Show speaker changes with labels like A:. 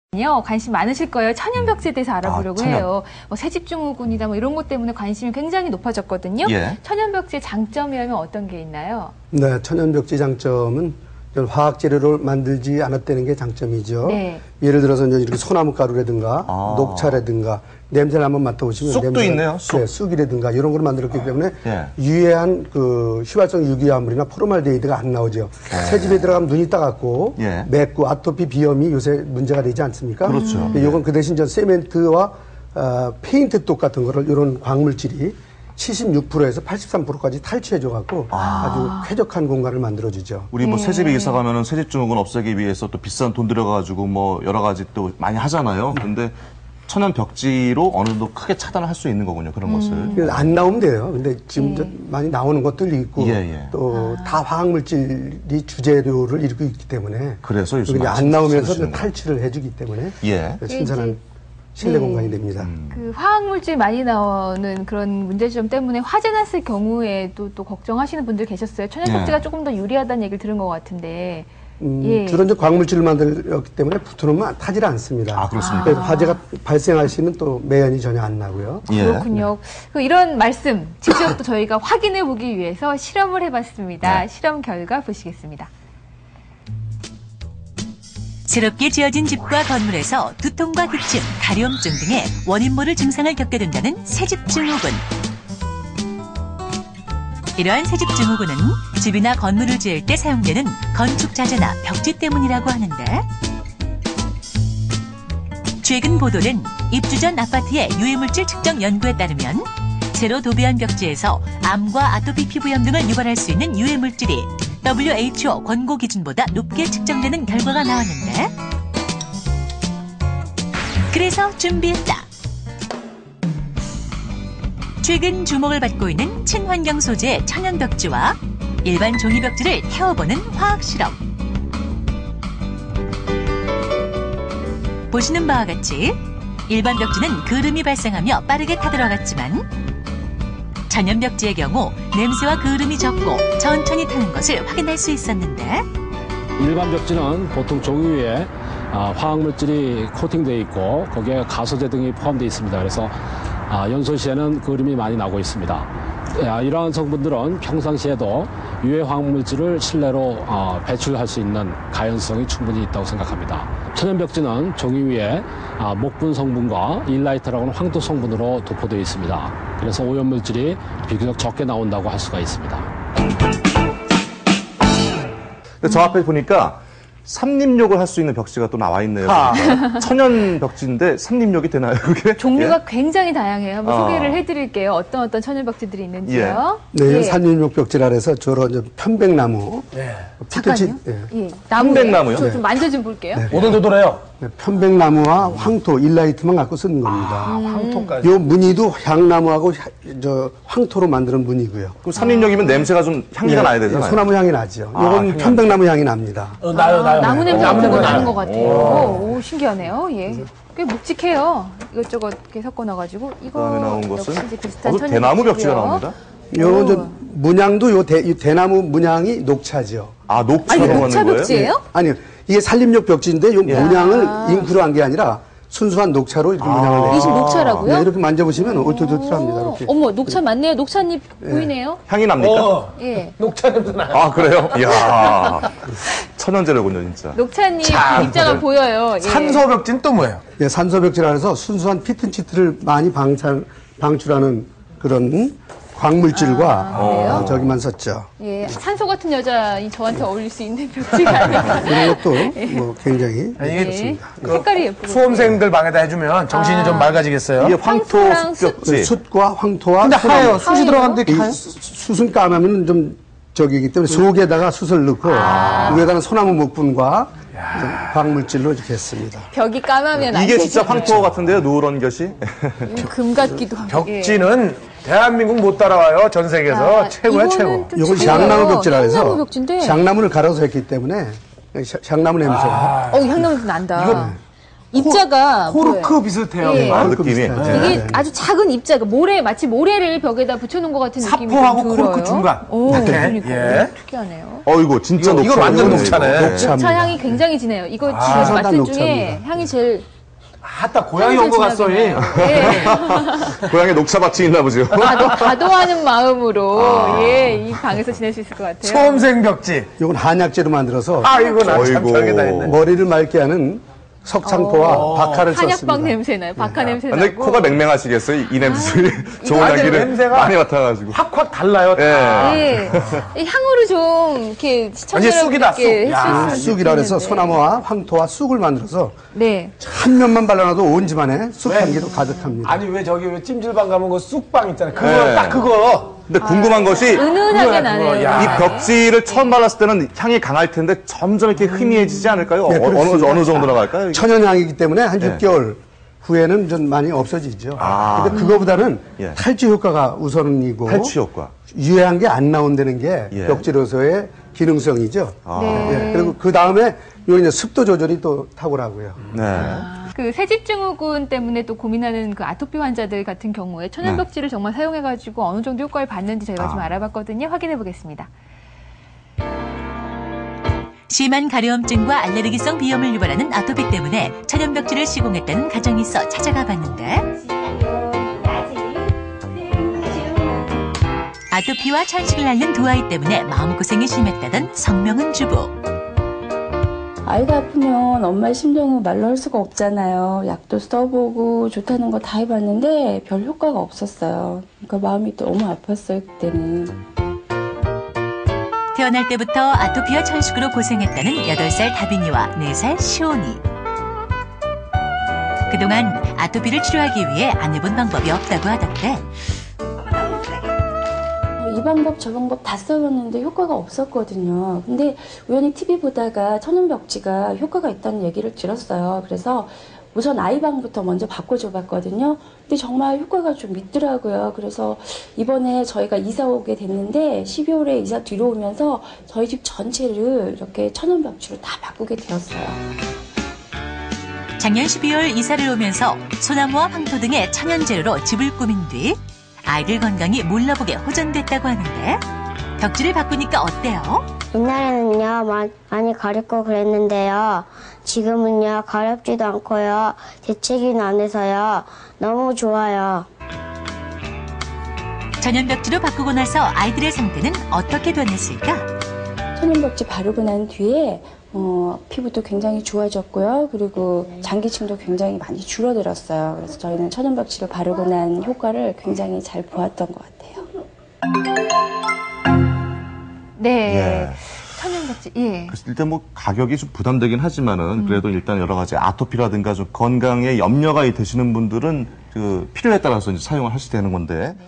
A: 관심 많으실 거예요. 천연벽지에 대해서 알아보려고 해요. 뭐 새집증후군이다 뭐 이런 것 때문에 관심이 굉장히 높아졌거든요. 예. 천연벽지의 장점이라면 어떤 게 있나요?
B: 네, 천연벽지 장점은 화학 재료를 만들지 않았다는 게 장점이죠. 네. 예를 들어서 이제 이렇게 소나무 가루라든가 녹차라든가 냄새를 한번 맡아보시면
C: 쑥도 있네요. 쑥.
B: 네, 쑥이라든가 이런 걸 만들었기 때문에 유해한 그 휘발성 유기화물이나 포르말데히드가 안 나오죠. 새집에 들어가면 눈이 따갑고 맵고 아토피 비염이 요새 문제가 되지 않습니까?
C: 그렇죠.
B: 이건 그 대신 저 세멘트와 페인트 똑 같은 거를 이런 광물질이 76%에서 83%까지 탈취해줘갖고 아주 쾌적한 공간을 만들어주죠.
C: 우리 뭐 새집에 이사 가면은 새집증후군 없애기 위해서 또 비싼 돈 들여가지고 뭐 여러 가지 또 많이 하잖아요. 근데 천연 벽지로 어느 정도 크게 차단을 할 수 있는 거군요. 그런 것을.
B: 안 나오면 돼요. 근데 지금 많이 나오는 것들도 있고 또 다 화학물질이 주재료를 이루고 있기 때문에
C: 그래서 요즘
B: 안 나오면서 탈취를 해주기 때문에 신선한 실내 공간이 됩니다.
A: 그 화학물질 많이 나오는 그런 문제점 때문에 화재 났을 경우에도 또 걱정하시는 분들 계셨어요. 천연벽지가 조금 더 유리하다는 얘기를 들은 것 같은데.
B: 주로 이제 광물질을 만들었기 때문에 붙어놓으면 타질 않습니다.
C: 아, 그렇습니까?
B: 그래서 화재가 발생할 수 있는 또 매연이 전혀 안 나고요.
A: 그렇군요. 이런 말씀 직접 또 저희가 확인해 보기 위해서 실험을 해봤습니다. 실험 결과 보시겠습니다.
D: 새롭게 지어진 집과 건물에서 두통과 기침, 가려움증 등의 원인 모를 증상을 겪게 된다는 새집증후군. 이러한 새집증후군은 집이나 건물을 지을 때 사용되는 건축 자재나 벽지 때문이라고 하는데, 최근 보도된 입주 전 아파트의 유해물질 측정 연구에 따르면 새로 도배한 벽지에서 암과 아토피 피부염 등을 유발할 수 있는 유해물질이 WHO 권고 기준보다 높게 측정되는 결과가 나왔는데, 그래서 준비했다. 최근 주목을 받고 있는 친환경 소재의 천연벽지와 일반 종이벽지를 태워보는 화학실험. 보시는 바와 같이 일반 벽지는 그름이 발생하며 빠르게 타들어갔지만 천연벽지의 경우 냄새와 그름이 적고 천천히 타는 것을 확인할 수 있었는데,
E: 일반 벽지는 보통 종이 위에 화학물질이 코팅되어 있고 거기에 가소제 등이 포함되어 있습니다. 그래서 연소 시에는 그림이 많이 나고 있습니다. 이러한 성분들은 평상시에도 유해 화학물질을 실내로 배출할 수 있는 가연성이 충분히 있다고 생각합니다. 천연벽지는 종이 위에 목분 성분과 일라이트라고 하는 황토 성분으로 도포되어 있습니다. 그래서 오염물질이 비교적 적게 나온다고 할 수가 있습니다.
C: 근데 저 앞에 보니까 삼림욕을 할 수 있는 벽지가 또 나와 있네요. 천연 벽지인데 삼림욕이 되나요, 그게?
A: 종류가 굉장히 다양해요. 한번 소개를 해드릴게요. 어떤 벽지들이 있는지요.
B: 네, 삼림욕 벽지라 해서 주로 이제 편백나무.
A: 잠깐요.
C: 편백나무요?
A: 저 좀 만져 좀 볼게요.
F: 오돌도돌해요.
B: 편백나무와 황토, 일라이트만 갖고 쓰는 겁니다.
F: 황토까지.
B: 요 무늬도 향나무하고 황토로 만드는 무늬고요.
C: 그럼 삼림욕이면 냄새가 좀 향기가 나야 되잖아요.
B: 소나무 향이 나죠. 이건 편백나무 향이 납니다.
F: 나요.
A: 나무 냄새 같은 거 나는 것 같아요. 오, 신기하네요. 꽤 묵직해요. 이것저것 이렇게 섞어 놔가지고.
C: 그다음에 나온 것은
A: 비슷한
C: 대나무 벽지가 나옵니다.
B: 문양도 대나무 문양이 녹차죠.
C: 녹차로 하는
A: 녹차
C: 거예요?
A: 벽지예요?
B: 아니요. 이게 산림욕 벽지인데 요 문양을 잉크로 한 게 아니라 순수한 녹차로 이렇게 문양을 내요.
A: 이게 지금 녹차라고요?
B: 네, 이렇게 만져보시면 올토돌토합니다. 이렇게.
A: 어머, 녹차 맞네요. 녹차잎 보이네요.
C: 향이 납니까?
F: 녹차 냄새 나요.
C: 그래요? 이야. 천연재료군요, 진짜.
A: 녹차잎 입자가 보여요.
F: 산소벽지는 또 뭐예요?
B: 산소벽지라 해서 순수한 피톤치드를 많이 방출하는 그런 광물질과 저기만 썼죠.
A: 산소 같은 여자이 저한테 어울릴 수 있는 벽지가 아니라.
B: 이런 것도 뭐 굉장히 좋습니다.
A: 색깔이 예쁘고.
F: 수험생들 방에다 해주면 정신이 좀 맑아지겠어요?
C: 이게 황토 숲벽지.
B: 숯과 황토와
F: 근데 하얘요. 숯이 들어갔는데 하얘요?
B: 숯은 까마면 좀 저기이기 때문에 속에다가 숯을 넣고 위에다가 소나무 목분과 광물질로 이렇게 했습니다.
A: 벽이 까마면 안
C: 이게
A: 되죠.
C: 진짜 황토 같은데요, 누런 것이?
A: 금 같기도 하고.
F: 벽지는 대한민국 못 따라와요. 전 세계에서 최고야, 최고.
B: 이건 샹나무 벽지라 해서
A: 향나무 벽지인데.
B: 샹나무를 갈아서 했기 때문에 샹나무 냄새가.
A: 향나무 냄새 난다. 입자가
F: 코르크 비슷해요.
A: 예.
C: 느낌이.
A: 이게 아주 작은 입자가 마치 모래를 벽에다 붙여놓은 것 같은 느낌이
F: 사포하고
A: 좀 들어요.
F: 코르크 중간.
A: 오, 그러니까
F: 예.
A: 특이하네요.
C: 이거 진짜 녹차.
F: 이거 완전 녹차네.
A: 녹차 향이 굉장히 진해요. 이거 지금 맡은 중에 향이 제일
F: 아따 고향이 온 것 같소.
A: 예.
C: 고향에 녹차밭이 있나 보죠.
A: 다도하는 마음으로 이 방에서 지낼 수 있을 것 같아요.
F: 수험생 벽지.
B: 이건 한약재로 만들어서
F: 이거 나참 별게 다 있네.
B: 머리를 맑게 하는 석창포와 박하를 썼습니다.
A: 한약방 냄새 나요. 박하 냄새
C: 근데
A: 나고.
C: 코가 맹맹하시겠어요? 이 냄새 좋은 향기를
F: 냄새가
C: 많이 맡아가지고.
F: 확확 달라요.
A: 예. 이 향으로 좀 이렇게
F: 완전 쑥이다, 쑥.
A: 시청자분들께
F: 야,
B: 쑥이라 그래서 소나무와 황토와 쑥을 만들어서
A: 네.
B: 한 면만 발라놔도 온 집안에 쑥 향기로 가득합니다.
F: 아니 왜 찜질방 가면 그 쑥빵 있잖아요. 그거
C: 네.
F: 딱 그거.
C: 근데 궁금한 것이
A: 은은하게 나네요.
F: 야.
C: 이 벽지를 처음 발랐을 때는 향이 강할 텐데 점점 이렇게 희미해지지 않을까요?
B: 네, 그렇습니다.
C: 어느 정도로 갈까요?
B: 천연향이기 때문에 한 6개월 후에는 좀 많이 없어지죠. 근데 그거보다는
C: 예.
B: 탈취 효과가 우선이고
C: 탈취 효과.
B: 유해한 게 안 나온다는 게
C: 예.
B: 벽지로서의 기능성이죠.
A: 네.
B: 예, 그리고 그 다음에 요 이제 습도 조절이 또 탁월하고요.
C: 네.
A: 그 새집증후군 때문에 또 고민하는 그 아토피 환자들 같은 경우에 천연벽지를 정말 사용해가지고 어느 정도 효과를 봤는지 저희가 좀 알아봤거든요. 확인해 보겠습니다.
D: 심한 가려움증과 알레르기성 비염을 유발하는 아토피 때문에 천연벽지를 시공했다는 가정이 있어 찾아가 봤는데 아토피와 천식을 앓는 두 아이 때문에 마음고생이 심했다던 성명은 주부.
G: 아이가 아프면 엄마의 심정은 말로 할 수가 없잖아요. 약도 써보고 좋다는 거 다 해봤는데 별 효과가 없었어요. 그러니까 마음이 너무 아팠어요, 그때는.
D: 태어날 때부터 아토피와 천식으로 고생했다는 8살 다빈이와 4살 시온이. 그동안 아토피를 치료하기 위해 안 해본 방법이 없다고 하던데
G: 이 방법 저 방법 다 써봤는데 효과가 없었거든요. 근데 우연히 TV 보다가 천연벽지가 효과가 있다는 얘기를 들었어요. 그래서 우선 아이방부터 먼저 바꿔줘봤거든요. 근데 정말 효과가 좀 있더라고요. 그래서 이번에 저희가 이사 오게 됐는데 12월에 이사 뒤로 오면서 저희 집 전체를 이렇게 천연벽지로 다 바꾸게 되었어요.
D: 작년 12월 이사를 오면서 소나무와 황토 등의 천연재료로 집을 꾸민 뒤 아이들 건강이 몰라보게 호전됐다고 하는데 벽지를 바꾸니까 어때요?
H: 옛날에는요 많이 가렵고 그랬는데요. 지금은요 가렵지도 않고요. 재채기는 안 해서요. 너무 좋아요.
D: 천연벽지로 바꾸고 나서 아이들의 상태는 어떻게 변했을까?
G: 천연벽지 바르고 난 뒤에 피부도 굉장히 좋아졌고요. 그리고 장기층도 굉장히 많이 줄어들었어요. 그래서 저희는 천연벽지를 바르고 난 효과를 굉장히 잘 보았던 것 같아요.
A: 네.
C: 예.
A: 천연벽지. 예.
C: 그래서 일단 뭐 가격이 좀 부담되긴 하지만은 그래도 일단 여러 가지 아토피라든가 좀 건강에 염려가 되시는 분들은 그 필요에 따라서 이제 사용을 하시게 되는 건데